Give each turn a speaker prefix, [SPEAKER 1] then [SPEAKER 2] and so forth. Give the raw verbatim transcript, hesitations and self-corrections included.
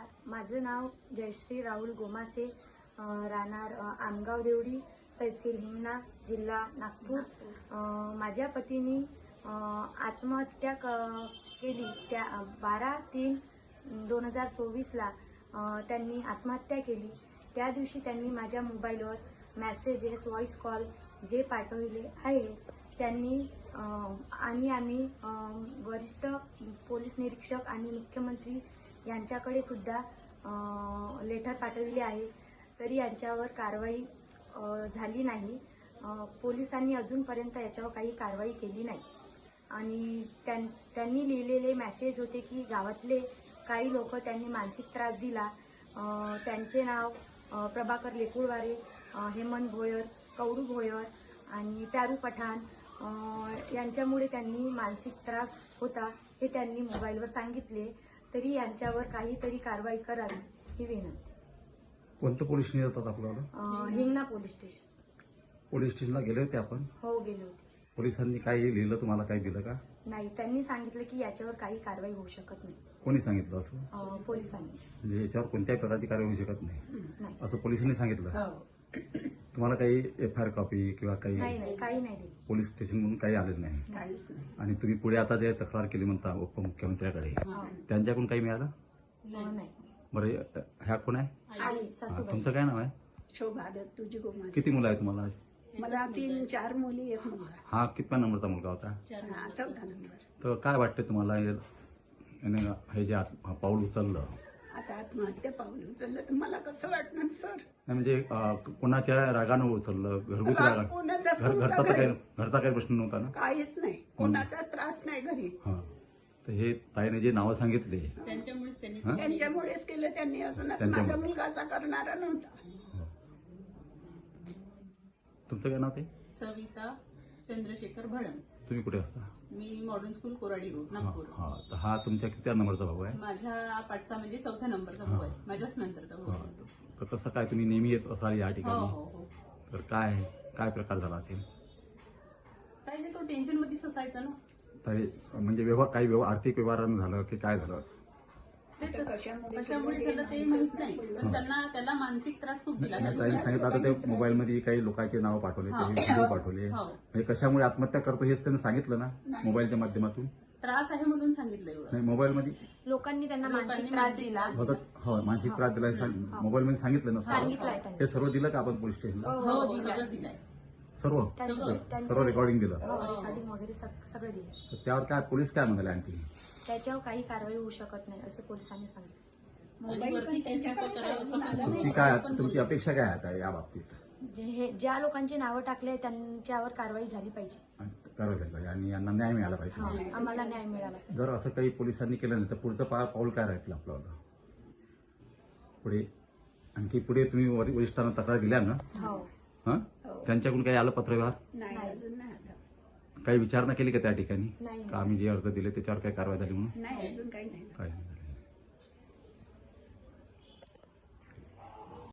[SPEAKER 1] माझं नाव जयश्री राहुल गोमासे, अ, राहणार अ, आमगाव देवडी, तहसील हिंगणा, जिल्हा नागपूर. अ, माझ्या पतीने अ, आत्महत्या क- केली त्या बारा तीन दोन हजार चोवीसला त्यांनी आत्महत्या केली. त्या दिवशी त्यांनी माझ्या मोबाईलवर मेसेजेस, व्हॉइस कॉल जे पाठवले आहे त्यांनी अ, आणि आम्ही अ, वरिष्ठ पोलीस निरीक्षक आणि मुख्यमंत्री यांच्याकडे सुद्धा लेटर पाठवले आहे, तरी यांच्यावर कारवाई अ, झाली नाही. अ, पोलिसांनी अजूनपर्यंत याच्यावर काही कारवाई केली नाही. आणि त्यां त्यांनी लिहिलेले मेसेज होते की गावातले काही लोक त्यांनी मानसिक त्रास दिला. अ, त्यांचे नाव अ, प्रभाकर लेकुळवारे, अ, हेमंत भोयर, कवडू भोयर आणि प्यारू पठाण अ, यांच्यामुळे त्यांनी मानसिक त्रास होता हे त्यांनी मोबाईलवर सांगितले, तरी यांच्यावर काहीतरी कारवाई करावी ही विनंती.
[SPEAKER 2] कोणतं पोलीस स्टेशन येतात आपल्याला?
[SPEAKER 1] अ, हिंगणा पोलीस स्टेशन.
[SPEAKER 2] पोलीस स्टेशनला गेले होते आपण?
[SPEAKER 1] हो, गेले होते.
[SPEAKER 2] पोलिसांनी काही लिहिलं, तुम्हाला काही दिलं का?
[SPEAKER 1] नाही, त्यांनी सांगितलं की याच्यावर काही कारवाई होऊ शकत नाही.
[SPEAKER 2] कोणी सांगितलं असं?
[SPEAKER 1] अ, पोलिसांनी.
[SPEAKER 2] म्हणजे याच्यावर कोणत्याही प्रकारची कारवाई होऊ शकत नाही
[SPEAKER 1] नाही.
[SPEAKER 2] असं पोलिसांनी सांगितलं? तुम्हाला काही एफ आय आर कॉपी किंवा काही
[SPEAKER 1] नाही नाही काही नाही दिली.
[SPEAKER 2] पोलीस स्टेशन म्हणून काही आलेलं नाही?
[SPEAKER 1] काहीच नाही.
[SPEAKER 2] आणि तुम्ही पुढे आता जे तक्रार केली म्हणता उपमुख्यमंत्र्याकडे, त्यांच्याकडून काही मिळालं?
[SPEAKER 1] नाही.
[SPEAKER 2] बरं, ह्या कोण आहे?
[SPEAKER 1] आई
[SPEAKER 2] हा,
[SPEAKER 1] सासूबाई.
[SPEAKER 2] तुमचं काय नाव आहे?
[SPEAKER 3] शोभा दत्त तुझी गोमास.
[SPEAKER 2] किती मुलं आहे तुम्हाला?
[SPEAKER 3] मला तीन चार मुली एक मुलगा.
[SPEAKER 2] हा कितव्या नंबरचा मुलगा होता?
[SPEAKER 3] हा, चौथा नंबर.
[SPEAKER 2] तर काय वाटतं तुम्हाला हे- याने हे जे आत- पाऊल उचललं?
[SPEAKER 3] आता आत्महत्या पाऊल उचललं तर मला कसं वाटणार सर?
[SPEAKER 2] नाही म्हणजे अं, कोणाच्या रागानं उचललं? घरगुती
[SPEAKER 3] राग
[SPEAKER 2] रागा?
[SPEAKER 3] कोणाचाच
[SPEAKER 2] घर घरचा
[SPEAKER 3] नव्हता
[SPEAKER 2] तर काही
[SPEAKER 3] घरी.
[SPEAKER 2] घरचा काही प्रश्न नव्हता ना?
[SPEAKER 3] काहीच नाही, कोणाचाच त्रास नाही घरी.
[SPEAKER 2] हा, तर हे ताईने जे नावं सांगितले
[SPEAKER 4] त्यांच्यामुळेच त्यांनी
[SPEAKER 2] हा?
[SPEAKER 3] त्यांच्यामुळेच केलं त्यांनी. अजून
[SPEAKER 2] त्यांच्यामुळे.
[SPEAKER 3] माझा मुलगा असा करणारा नव्हता.
[SPEAKER 2] तुमचं काय नाव ते?
[SPEAKER 4] सविता चंद्रशेखर भडंग.
[SPEAKER 2] तुम्ही कुठे असता?
[SPEAKER 4] मी मॉडर्न स्कूल कोराडी रोड
[SPEAKER 2] हा
[SPEAKER 4] नागपूर.
[SPEAKER 2] हा, तर हा तुमच्या किती नंबरचा भाऊ आहे?
[SPEAKER 4] माझ्या पाठचा म्हणजे चौथ्या नंबरचा भाऊ आहे, माझ्याच नंतरचा भाऊ
[SPEAKER 2] हा,
[SPEAKER 4] आहे.
[SPEAKER 2] तर कसं काय तुम्ही नेहमी येत असाल या
[SPEAKER 4] हो
[SPEAKER 2] ठिकाणी?
[SPEAKER 4] हो हो.
[SPEAKER 2] तर काय काय प्रकार झाला असेल?
[SPEAKER 4] काही नाही, तो टेन्शन मध्येच असायचा ना.
[SPEAKER 2] तर म्हणजे व्यवहार काही व्यवहार आर्थिक व्यवहारानं झालं की काय झालं?
[SPEAKER 4] ते
[SPEAKER 3] आता
[SPEAKER 4] तसं-
[SPEAKER 3] कशामुळे
[SPEAKER 4] कशामुळे
[SPEAKER 3] केलं
[SPEAKER 4] झालं ते
[SPEAKER 3] ते
[SPEAKER 4] माहित
[SPEAKER 3] माहित
[SPEAKER 4] नाही,
[SPEAKER 3] नाही.
[SPEAKER 4] पण त्यांना त्याला मानसिक त्रास खूप दिला.
[SPEAKER 2] नाही, ताईने सांगितलं आता ते मोबाईलमध्ये काही लोकांचे नाव पाठवले,
[SPEAKER 4] हा.
[SPEAKER 2] काही व्हिडिओ पाठवले.
[SPEAKER 4] हो.
[SPEAKER 2] म्हणजे कशामुळे आत्महत्या करतो हेच त्यांनी सांगितलं ना
[SPEAKER 3] नाही.
[SPEAKER 2] मोबाईलच्या माध्यमातून?
[SPEAKER 4] त्रास आहे म्हणून सांगितलं एवढं.
[SPEAKER 2] नाही, मोबाईलमध्ये
[SPEAKER 1] लोकांनी त्यांना
[SPEAKER 4] लोकांनी
[SPEAKER 1] मानसिक त्रास
[SPEAKER 4] मानसिक
[SPEAKER 1] दिला.
[SPEAKER 4] त्रास
[SPEAKER 2] होतं. हो, मानसिक त्रास दिला मोबाईलमध्ये सांगितलं ना?
[SPEAKER 1] सांगितलंय त्यांनी.
[SPEAKER 2] हे सर्व दिलं का आपण पोलीस स्टेशनला?
[SPEAKER 4] हो हो, सगळंच दिलंय.
[SPEAKER 2] सर्व
[SPEAKER 1] त्यांचं- त्यांचं-
[SPEAKER 2] सर्व रेकॉर्डिंग दिलं?
[SPEAKER 1] हो, रेकॉर्डिंग वगैरे सग- सगळं दिलं.
[SPEAKER 2] तर त्यावर काय पोलीस काय म्हणाले आणखी?
[SPEAKER 1] त्याच्यावर काही कारवाई होऊ शकत नाही असे पोलिसांनी सांगितलं.
[SPEAKER 4] आणि वरती केस नको करावं असं पण
[SPEAKER 2] तुमची
[SPEAKER 4] बोलले.
[SPEAKER 2] काय
[SPEAKER 4] पण
[SPEAKER 2] तुमची
[SPEAKER 4] बोलले.
[SPEAKER 2] अपेक्षा काय आहे आता या बाबतीत?
[SPEAKER 1] जे हे ज्या लोकांची नावं टाकले त्यांच्यावर कारवाई झाली पाहिजे.
[SPEAKER 2] आणि करावं लागेल पाहिजे आणि यांना न्याय मिळाला
[SPEAKER 1] हा,
[SPEAKER 2] पाहिजे.
[SPEAKER 1] आम्हाला न्याय मिळाला.
[SPEAKER 2] जर असं काही पोलिसांनी केलं नाही तर पुढचं पा पाऊल काय राहील आपल्याला पुढे? आणखी पुढे तुम्ही वरि- वरिष्ठांना तक्रार दिल्या ना?
[SPEAKER 1] हो.
[SPEAKER 2] हं?
[SPEAKER 3] हो.
[SPEAKER 2] त्यांच्याकडून काही आलं पत्रव्यवहार?
[SPEAKER 3] नाही,
[SPEAKER 1] नाही.
[SPEAKER 3] अजून नाही आलं.
[SPEAKER 2] काही विचारणा केली का त्या ठिकाणी?
[SPEAKER 1] नाही.
[SPEAKER 2] का आम्ही जे अर्ज दिले त्याच्यावर काही कारवाई झाली म्हणून?
[SPEAKER 3] नाही, अजून काही नाही.
[SPEAKER 2] काय नाही.